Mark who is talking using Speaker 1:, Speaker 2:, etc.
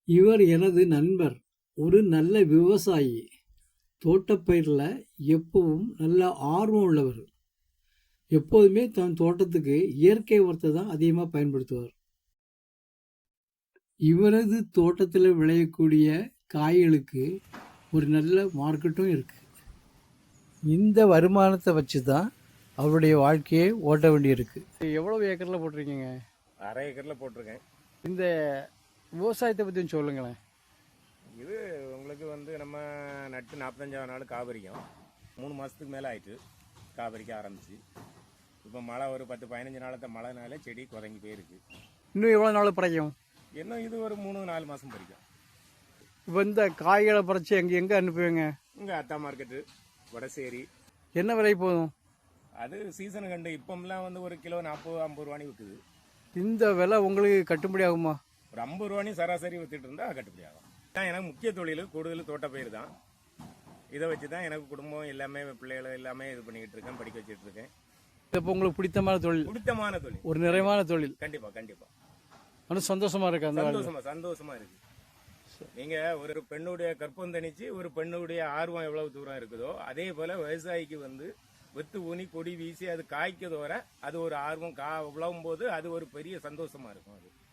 Speaker 1: இவர் எனது நண்பர். ஒரு நல்ல விவசாயி. தோட்டப்பயிர்ல எப்பவும் நல்ல ஆர்வம் உள்ளவர். எப்போதுமே தன் தோட்டத்துக்கு இயற்கை உரத்தை தான் அதிகமா பயன்படுத்துவார். இவரது தோட்டத்துல விளையக்கூடிய காய்களுக்கு ஒரு நல்ல மார்க்கெட்டும் இருக்கு. இந்த வருமானத்தை வச்சு தான் அவருடைய வாழ்க்கையை ஓட்ட வேண்டியிருக்கு. எவ்வளவு ஏக்கர்ல போட்டிருக்கீங்க?
Speaker 2: அரை ஏக்கரில் போட்டிருக்கேன்.
Speaker 1: இந்த விவசாயத்தை பற்றி சொல்லுங்களேன்.
Speaker 2: இது உங்களுக்கு வந்து நம்ம நட்டு 45ஆவது நாள் காபரிக்கும் 3 மாதத்துக்கு மேலே ஆயிட்டு காபரிக்க ஆரம்பிச்சு. இப்போ மழை ஒரு 10-15 நாளത്തെ மழைனால செடி குறைஞ்சி போயிருக்கு.
Speaker 1: இன்னும் எவ்வளோ நாள் பறிக்கும்?
Speaker 2: இன்னும் இது ஒரு 3-4 மாதம் பறிக்கும்.
Speaker 1: இப்போ இந்த காய்களை பறித்து எங்கே அனுப்புவீங்க?
Speaker 2: இங்கே அத்தா மார்க்கெட்டு, வடசேரி.
Speaker 1: என்ன விலை போதும்?
Speaker 2: அது சீசனு கண்டு இப்போம்லாம் வந்து ஒரு கிலோ 40-50 ரூபானி விற்குது.
Speaker 1: இந்த விலை உங்களுக்கு கட்டுப்படி ஆகுமா?
Speaker 2: ஒரு 50 ரூபானி சராசரி விற்றுட்டு இருந்தால் கட்டுப்படி ஆகும். தான் எனக்கு முக்கிய தொழில் கூடுதல் தோட்டப்பயிர் தான். இதை வச்சு தான் எனக்கு குடும்பம் எல்லாமே பிள்ளைகளை எல்லாமே இது பண்ணிக்கிட்டு இருக்கேன், படிக்க வச்சுட்டு இருக்கேன்.
Speaker 1: இப்போ உங்களுக்கு பிடித்தமான தொழில்?
Speaker 2: பிடித்தமான தொழில்,
Speaker 1: ஒரு நிறைவான தொழில்.
Speaker 2: கண்டிப்பா கண்டிப்பா.
Speaker 1: ஆனால் சந்தோஷமா இருக்கு. அந்த
Speaker 2: சந்தோஷமா இருக்கு. நீங்க ஒரு பெண்ணுடைய கற்பம் தணிச்சு ஒரு பெண்ணுடைய ஆர்வம் எவ்வளவு தூரம் இருக்குதோ அதே போல விவசாயிக்கு வந்து வித்து ஊனி கொடி வீசி அது காய்க்கதோற அது ஒரு ஆர்வம் விளவும் போது அது ஒரு பெரிய சந்தோஷமா இருக்கும். அது